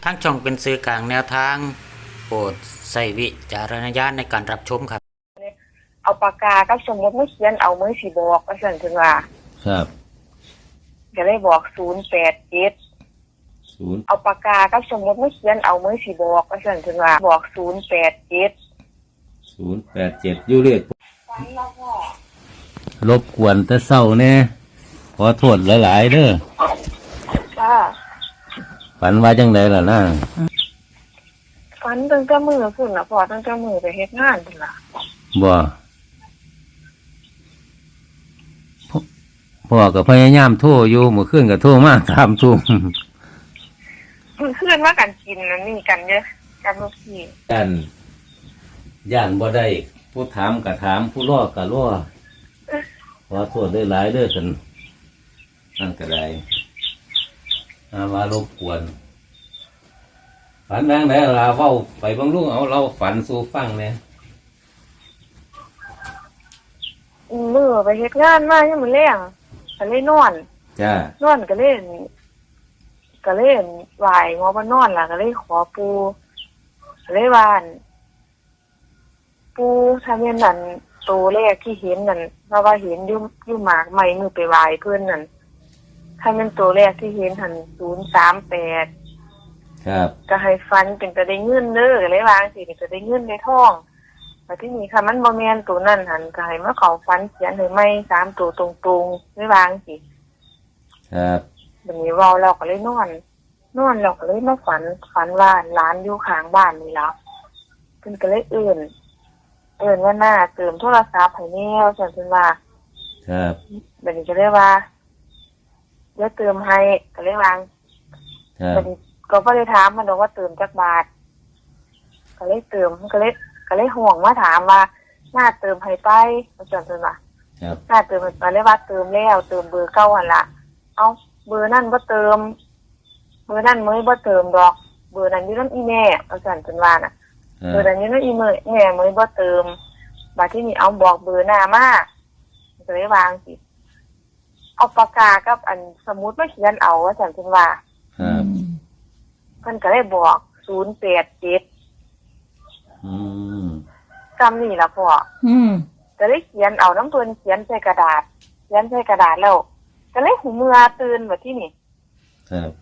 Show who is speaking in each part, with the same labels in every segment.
Speaker 1: ทั้งช่องเป็นสื่อกลางแนวทางโปรดใส่วิจารณญาณในการรับชมครับ
Speaker 2: เอาปากกากับสมุดมาเขียนเอามือสีบอกก็สั่นถึงว่า
Speaker 3: ครับ
Speaker 2: ก็เลยบอก087เอาปากกากับสมุดมาเขียนเอามือสีบอกก็สั่นถึงว่าบอก
Speaker 3: 087อยู่เลข
Speaker 2: ฟันแล้วก็
Speaker 3: รบกวนแต่เศร้าแน่ขอโทษหลายๆเด้อ
Speaker 2: จ้า
Speaker 3: ฝันว่าจังไดล่ะนะ
Speaker 2: ฟันตั้งแต่มือพุ่นน่ะพอตั้งแต่มือไปเฮ็ดงานพุ่นล่ะ
Speaker 3: บ่พ่อก็พยายามโทรอยู่เมื่อคืนก็โทรมา3 ทุ่ม
Speaker 2: เพื่อนว่ากันกินนั่นนี่กันเยอะกันลูกพี่
Speaker 3: ย่านบ่ได้ผู้ถามก็ถามผู้รอก็รอขอโทษด้วยหลายเด้อซั่นนั่นก็ได้มารบกวนฝันแรงได้ลาเว้าไปบางลูกเอาเราฝันสู่ฟังเนี่ย
Speaker 2: มือไปเฮ็ดงานมายังมื้อแลงก็เลยนอน
Speaker 3: จ้าน
Speaker 2: อนก็เล่นไหว้งอบ่นอนล่ะก็เลยขอปู่ก็เลยว่าปู่ถ้าแม่นนั่นตัวแรกที่เห็นนั่นว่าเห็นอยู่หมากไม้มือไปไหว้เพิ่นนั่นถ้าแม่นตัวแรกที่เห็นหั่น038
Speaker 3: ครับ
Speaker 2: ก็ให้ฟันเป็นจะได้เงินเด้อเลยวางสิเป็นจะได้เงินในท้องแต่ที่นี่ค่ะมันบ่แม่นตัวนั้นหั่นก็ให้มาเข้าฟันเขียนให้ใหม่3ตัวตรงๆเลยวางสิ
Speaker 3: ครับ
Speaker 2: บัดนี้เว้าแล้วก็เลยนอนแล้วก็เลยมาฝันว่าหลานอยู่ข้างบ้านนี่ล่ะเพิ่นก็เลยเอิ้นว่าหน้าเติมโทรศัพท์ให้แนวซั่นเพิ่นว่า
Speaker 3: ครับ
Speaker 2: บัดนี้ก็เลยว่าเดี๋ยวเติมให้ก็เลยวาง
Speaker 3: ครับ
Speaker 2: บัดนี้ก็บ่ได้ถามมันดอกว่าเติมจักบาทก็เลยเติมก็เลยห่วงมาถามว่าหน้าเติมให้ไปว่าซั่นเพิ่นว่า
Speaker 3: ครับ
Speaker 2: หน้าเติมก็เลยว่าเติมแล้วเติมเบอร์เก่าหั่นล่ะเอ้าเบอร์นั้นบ่เติมเบอร์นั้นมื้อบ่เติมดอกเบอร์นั้นอยู่นำอีแม่ว่าซั่นเพิ่นว่าน่ะเบอร์นั้นอยู่นำอีแม่มื้อบ่เติมบัดทีนี้เอาบอกเบอร์หน้ามาก็เลยวางสิเอาปากกากับอันสมุดมาเขียนเอาว่าซั่นเพิ่นว่า
Speaker 3: ครับ
Speaker 2: เพิ่นก็เลยบอก087จำนี่ล่ะพ่อก็เลยเขียนเอาน้ำเพิ่นเขียนใส่กระดาษแล้วก็เลยหูเมื่อตื่นแบบที่นี่
Speaker 3: ครับ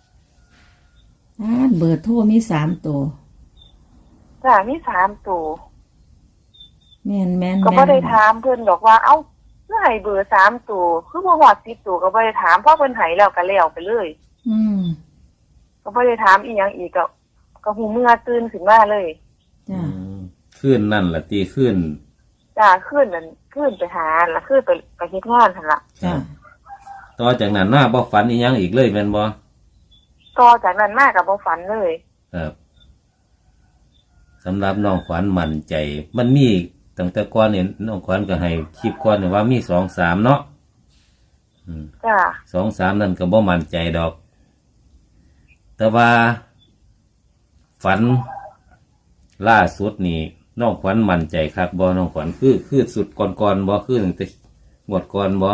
Speaker 4: เบอร์โทรมี3 ตัว
Speaker 2: จ้ามี3 ตัว
Speaker 4: แม่น
Speaker 2: ก็บ่ได้ถามเพิ่นดอกว่าเอ้าเมื่อให้เบอร์3 ตัวคือบ่ฮอด10 ตัวก็บ่ได้ถามเพราะเพิ่นให้แล้วก็แล้วไปเลยก็บ่ได้ถามอีหยังอีกก็หูเมื่อตื่นขึ้นมาเลย
Speaker 4: จ้า
Speaker 3: ขึ้นนั่นล่ะตีขึ้น
Speaker 2: จ้าขึ้นนั่นขึ้นไปหาล่ะขึ้นไปเฮ็ดงานหั่นล่ะ
Speaker 3: จ้าต่อจากนั้นมาบ่ฝันอีหยังอีกเลยแม่นบ่
Speaker 2: ต่อจากนั้นมาก็บ่ฝันเลย
Speaker 3: ครับสำหรับน้องขวัญมั่นใจมันมีตั้งแต่ก่อนเนี่ยน้องขวัญก็ให้คลิปก่อนว่ามี2-3เนาะ
Speaker 2: จ้า
Speaker 3: 2-3นั่นก็บ่มั่นใจดอกแต่ว่าฝันล่าสุดนี่น้องขวัญมั่นใจครับบ่น้องขวัญคือสุดก่อนบ่คือตั้งแต่งวดก่อนบ่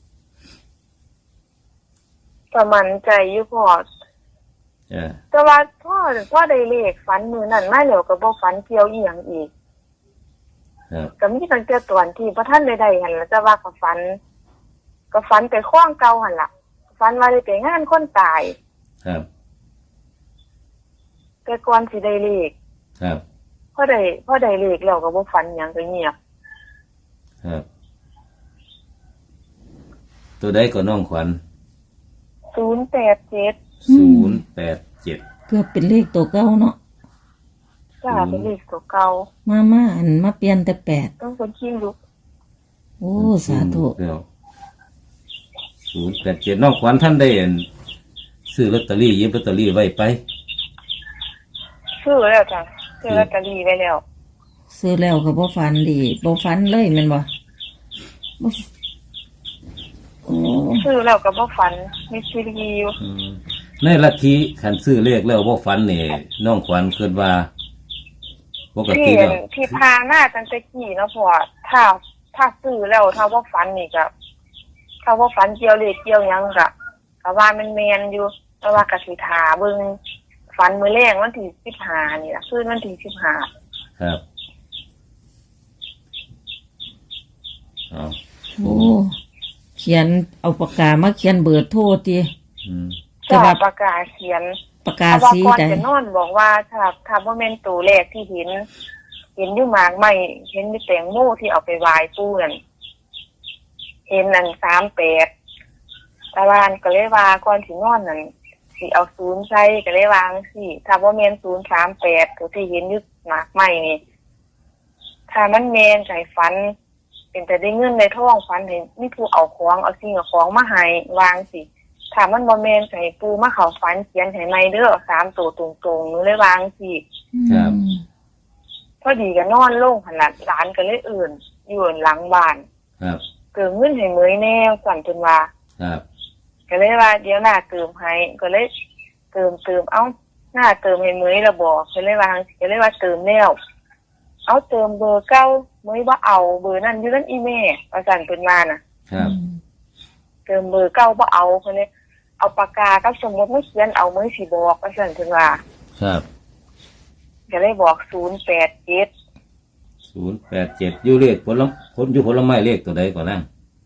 Speaker 2: ก็มั่นใจอยู่พอแต่ว่าพ่อได้เลขฝันมื้อนั้นมาแล้วก็บ่ฝันเกี่ยวอีหยังอีกก็มีตั้งแต่ตอนที่บ่ทันได้หั่นล่ะแต่ว่าก็ฝันไปคล้องเก่าหั่นล่ะฝันว่าได้ไปงานคนตาย
Speaker 3: ครับ
Speaker 2: แต่ก่อนสิได้เลข
Speaker 3: ครับ
Speaker 2: พอได้เลขแล้วก็บ่ฝันหยังก็เงียบ
Speaker 3: ครับตัวใดก็น้องขวัญ
Speaker 2: 087
Speaker 4: เกือบเป็นเลขตัวเก่าเนาะ
Speaker 2: จ้าเป็นเลขตัวเก่า
Speaker 4: มาเปลี่ยนแต่8
Speaker 2: ต้องคนขี้ลุก
Speaker 4: โอ้สาธุ
Speaker 3: 087น้องขวัญท่านได้ซื้อลอตเตอรี่หยิบลอตเตอรี่ไว้ไป
Speaker 2: ซื้อแล้วจ้ะซื้อลอตเตอรี่ไว้แล้ว
Speaker 4: ซื้อแล้วก็บ่ฝันดีบ่ฝันเลยแม่นบ่
Speaker 2: ซื้อแล้วก็บ่ฝันมีชีวิตอยู่
Speaker 3: ในลัทธิคันซื้อเลขแล้วบ่ฝันนี่น้องขวัญคิดว่าปกติแล้ว
Speaker 2: ที่พาหน้าตั้งแต่กี้เนาะพ่อถ้าซื้อแล้วถ้าบ่ฝันนี่ก็ถ้าบ่ฝันเกี่ยวเลขเกี่ยวหยังก็ว่ามันแม่นอยู่แต่ว่าก็สิท่าเบิ่งฝันมื้อแรกวันที่15นี่ล่ะคืนวันที่15
Speaker 3: ครับเอา
Speaker 4: โอ้เขียนเอาปากกามาเขียนเบอร์โทรติ
Speaker 3: อืม
Speaker 4: แต่
Speaker 2: จ้า
Speaker 4: ว่า
Speaker 2: ประกาศเขียน
Speaker 4: ปากกา
Speaker 2: เพราะว่า
Speaker 4: สี
Speaker 2: ก่อน
Speaker 4: ใด
Speaker 2: จะนอนบอกว่าถ้าบ่แม่นตัวแรกที่เห็นอยู่หมากไม้เห็นอยู่แตงโมที่เอาไปไหว้ปู่นั่นเห็นนั่น38ตะวันก็เลยว่าก่อนสินอนนั่นสิเอา0ใส่ก็เลยวาจังซี่ถ้าบ่แม่น038ตัวที่เห็นอยู่หมากไม้นี่ถ้ามันแม่นใจฝัน เป็นแต่ได้เงินได้ทองฝันเห็นมีผู้เอาของเอาสิ่งเอาของมาให้วางสิถ้ามันบ่แม่นให้ปู่มาเข้าฝันเขียนให้ใหม่เด้อ3ตัวตรงๆหนูเลยวางสิ
Speaker 3: ครับ
Speaker 2: พอดีก็นอนลงหั่นล่ะหลานก็เลยอื่นอยู่หลังบ้าน
Speaker 3: ครับ
Speaker 2: เกิดเงินให้เหมยแน่สั่นจนว่า
Speaker 3: ครับ
Speaker 2: ก็เลยว่าเดี๋ยวหน้าเติมให้ก็เลยเติมเอ้าหน้าเติมให้เหมยละบ่ก็เลยว่าเติมแล้วเอาเติมเบอร์เก่าเหมยบ่เอาเบอร์นั้นอยู่นั่นอีแม่ว่าสั่นเพิ่นว่าน่ะ
Speaker 3: ครับ
Speaker 2: เติมเบอร์เก่าบ่เอาเพิ่นเลยเอาปากกากับสมุดมาเขียนเอาเหมยสิบอกว่าสั่นเพิ่นว่า
Speaker 3: ครับ
Speaker 2: ก็เลยบอก087
Speaker 3: 087อยู่เลขผลไม้เลขตัวใดก่อนนะ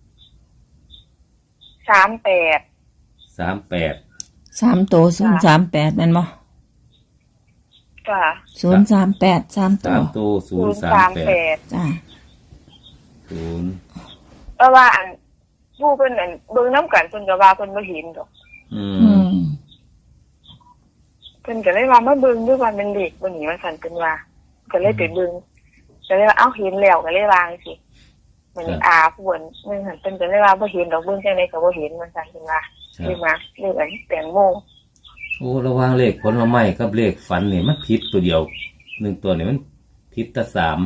Speaker 2: 38
Speaker 3: 38
Speaker 4: 3ตัว038แม่นบ่
Speaker 2: จ้ะ
Speaker 4: 038 3ตัว
Speaker 3: 3ตัว038
Speaker 4: จ้า
Speaker 3: 0
Speaker 2: เพราะว่าอันผู้เพิ่นอันเบิ่งน้ำกันเพิ่นก็ว่าเพิ่นบ่เห็นดอก
Speaker 3: อื
Speaker 4: อื
Speaker 3: ม
Speaker 4: ม
Speaker 2: เพิ่นก็เลยว่ามาเบิ่งด้วยว่าเป็นเลขบ่หนีว่าซั่นเพิ่นว่าก็เลยไปเบิ่งก็เลยว่าเอ้าเห็นแล้วก็เลยวาจังสิมันอาผู้เพิ่นนึงหั่นเพิ่นก็เลยว่าบ่เห็นดอกเบิ่งจังได๋ก็บ่เห็นว่าซั่นเพิ่นว่า
Speaker 3: ครั
Speaker 2: เลย
Speaker 3: บ
Speaker 2: มาเลขอันแตงโม
Speaker 3: โอ้ระหว่างเลขผลไม้กับเลขฝันนี่มันผิดตัวเดียว1ตัวนี่มันผิดแต่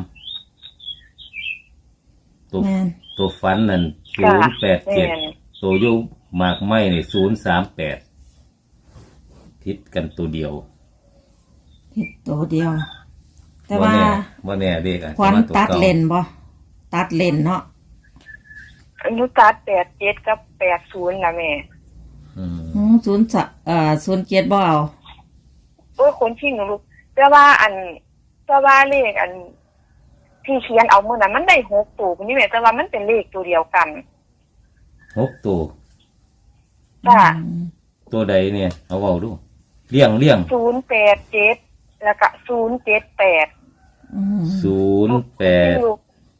Speaker 3: 3ตัว
Speaker 4: แม่น
Speaker 3: ตัวฝันนั่น
Speaker 2: จ้ะแม่น
Speaker 3: 087ตัวอยู่หมากไม้นี่038ผิดกันตัวเดียว
Speaker 4: ผิดตัวเดียว แต่ว่า
Speaker 3: บ่แน่เลขอาจ
Speaker 4: ควัน
Speaker 3: จะมาตัว
Speaker 4: ตัด
Speaker 3: เก่า
Speaker 4: เลนบ่ตัดเลนเนาะ
Speaker 2: อนุตัด87กับ80ล่ะแม่
Speaker 3: อืม
Speaker 4: 07บ่เอา
Speaker 2: โอ้ยคนชิงลูกแต่ว่าเลขอันที่เขียนเอามื้อนั้นมันได้6ตัวนี่แม่แต่ว่ามันเป็นเลขตัวเดียวกัน
Speaker 3: 6ตัว
Speaker 2: จ้ะ
Speaker 3: ตัวใดเนี่ย เอาเว้าดูเลี่ยง
Speaker 2: 087แล้วก็078
Speaker 4: อืม
Speaker 3: 087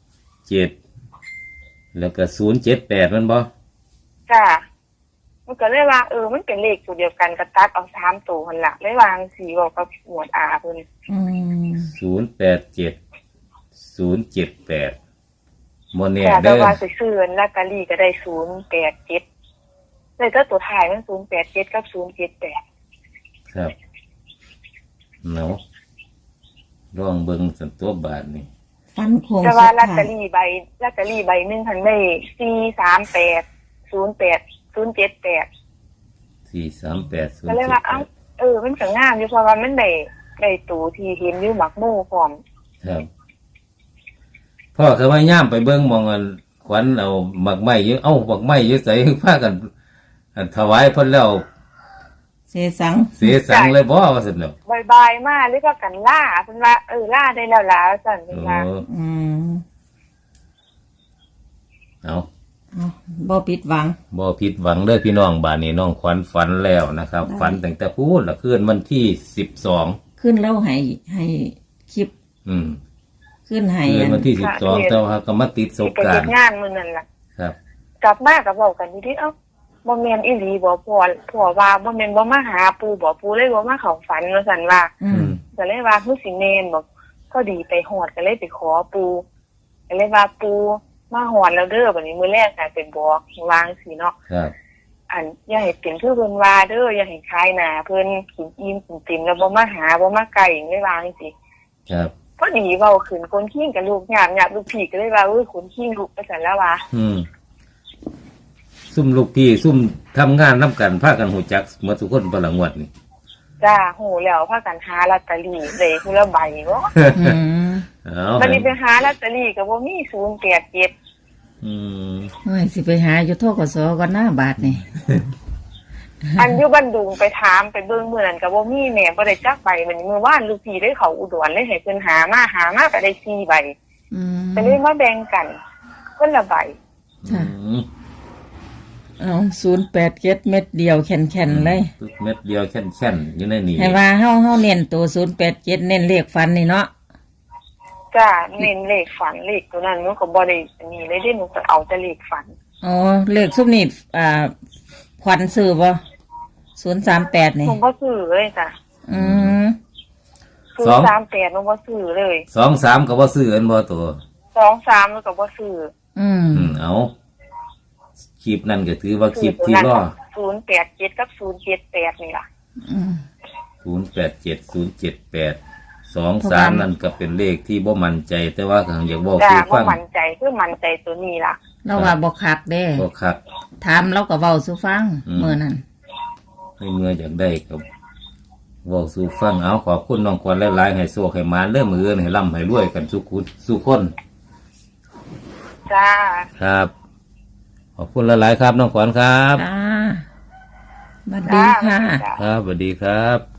Speaker 3: แล้วก็078มันบ่
Speaker 2: จ้ะมันก็เลยว่ามันเป็นเลขตัวเดียวกันก็ตัดเอา3ตัวหั่นล่ะเลยวางสีบอกกับหมวดอาเพิ่น
Speaker 4: อืม
Speaker 3: 087 078บ่แน่
Speaker 2: แต่
Speaker 3: เด้อ
Speaker 2: ว่าสิซื้อลอตเตอรี่ก็ได้087เลยก็ตัวท้ายมัน087กับ078
Speaker 3: ครับเนาะลองเบิ่งสันตัวบาทนี่
Speaker 4: ฟันโคง
Speaker 2: แต่
Speaker 4: สุ
Speaker 2: ว่า
Speaker 4: ด
Speaker 2: ลอตเต
Speaker 4: ท้า
Speaker 2: อย รี่ใบหนึงหั่นได้438 08 078 ก็เลยว่ามันก็งามอยู่เพราะว่ามันได้ตัวที่เห็นอยู่หมักหมู่พร้อม
Speaker 3: ครับพ่อเคยว่าย่ามไปเบิ่งมองอันขวัญเอาหมักไม้อยู่หมักไม้อยู่ใส่พากันอันถวายเพิ่นแล้ว
Speaker 4: เสสัง
Speaker 3: เสียสังเลยบ่ว่าซั่นเนาะ
Speaker 2: บายๆมาหรือว่ากันล่าเพิ่นว่าล่าได้แล้วล่ะสั่นเพิ่นว่า
Speaker 4: อืม
Speaker 3: เอา
Speaker 4: เอาบ่ผิดหวัง
Speaker 3: บ่ผิดหวังเด้อพี่น้องบ้านนี้น้องขวัญฝันแล้วนะครับ ฝันตั้งแต่พูดละคืนวันที่12
Speaker 4: ขึ้นแล้วให้คลิป
Speaker 3: อืม
Speaker 4: ขึ้นให้
Speaker 3: คืนวันที่12แต่ว่าก็มาติดส
Speaker 2: สิ
Speaker 3: ง
Speaker 2: ไป
Speaker 3: กรา
Speaker 2: เฮ็
Speaker 3: น
Speaker 2: ด
Speaker 3: ต์
Speaker 2: งานมื้อนั้นล่ะ
Speaker 3: ครับ
Speaker 2: กลับมาก็เว้ากันอยู่ดิบ่แม่นอีหลีบ่พ่อว่าบ่แม่นบ่มาหาปู่บ่ปู่เลยบ่มาเข้าฝันว่าซั่นว่า
Speaker 4: อืม
Speaker 2: ก็เลยว่าคือสิแม่นบ่พอดีไปฮอดก็เลยไปขอปู่ก็เลยว่าปู่มาฮอดแล้วเด้อบัดนี้มื้อแรกน่ะไปบอกวางสิเนาะ
Speaker 3: ครับ
Speaker 2: อันอย่าให้เป็นคือเพิ่นว่าเด้ออย่าให้คายหน้าเพิ่นกินอิ่มกินเต็มแล้วบ่มาหาบ่มาไกลเลยวาจังซี่
Speaker 3: ครับ
Speaker 2: พอดีเว้าขึ้นคนขี้งกับลูกหยาบลูกพี่ก็เลยว่าคนขี้งลูกไปซั่นแล้วว่า
Speaker 3: ซุ่มลูกพี่ซุ่มทำงานนํกันพากันหูจักหมดทุกคนบ่ละงวดนี่
Speaker 2: จ้าโหแล้วพากันหาลอตเตอรี่เลยคือละใบบ่
Speaker 4: อืม
Speaker 3: เอา
Speaker 2: บัดนี้ไปหาลอตเตอรี่ก็บ่มี087
Speaker 3: อืม
Speaker 4: โอ้ยสิไปหาอยู่ทกสก่อนหน้าบาทนี่
Speaker 2: อันอยู่บ้านดุงไปถามไปเบิ่งมื้อนั้นก็บ่มีแม่บ่ได้จักใบมันมื้อวานลูกพี่ได้เขาอุดรเลยให้เพิ่นหามาก็ได้4ใบ
Speaker 4: อืม
Speaker 2: ก็เลยมาแบ่งกันคนละใบ
Speaker 4: ค่ะ
Speaker 3: อืม
Speaker 4: เอา087เม็ดเดียวแข็งๆเลย
Speaker 3: เม็ดเดียวแค่นๆอยู่ในนี่
Speaker 4: ให้ว่าเฮาเน้นตัว087เน้นเลขฟันนี่เนาะ
Speaker 2: จ้าเน้นเลขฝันเลขตัวนั้นหนูก็บ่ได้อันนี้เลยเด้หนูก็เอาแต่เลขฝัน
Speaker 4: อ๋อเลขซุปนี่ขวัญซื้อบ่038
Speaker 2: ห
Speaker 4: นี่
Speaker 2: นูบ่ซื้อเลยจ้ะ
Speaker 4: อืม
Speaker 2: 038หนูบ่ซื้อเลย
Speaker 3: 2-3ก็บ่ซื้ออันบ่ตัว
Speaker 2: 23หนูก็บ่ซื้อ
Speaker 4: อืม
Speaker 3: เอาคลิปนั่นก็ถือว่าคลิปที่ล่อ
Speaker 2: 087กับ078นี่ล่ะ
Speaker 4: อืม
Speaker 3: 08707823นั่นก็เป็นเลขที่บ่มั่นใจ แต่ว่าก็อยากบอก
Speaker 2: จ้า
Speaker 3: สู่
Speaker 2: บ่
Speaker 3: ฟัง
Speaker 2: มั่นใจคือมั่นใจตัวนี้ล่ะ
Speaker 4: เราว่าบ่คักเด้
Speaker 3: บ่คัก
Speaker 4: ถามเราก็เว้าสู่ฟังมื้อนั้น
Speaker 3: ให้เมื่ออยากได้ก็บอกสู่ฟังเอาขอบคุณน้องกวนหลายๆให้โชคให้มาเริ่มมืออื่นให้ร่ำให้รวยกันสุขคน
Speaker 2: จ้า
Speaker 3: ครับ ขอบคุณหลายๆครับน้องขวัญครับ
Speaker 4: จ้าสวัสดีค่ะ
Speaker 2: จ้า
Speaker 3: ครับสวัสดีครับ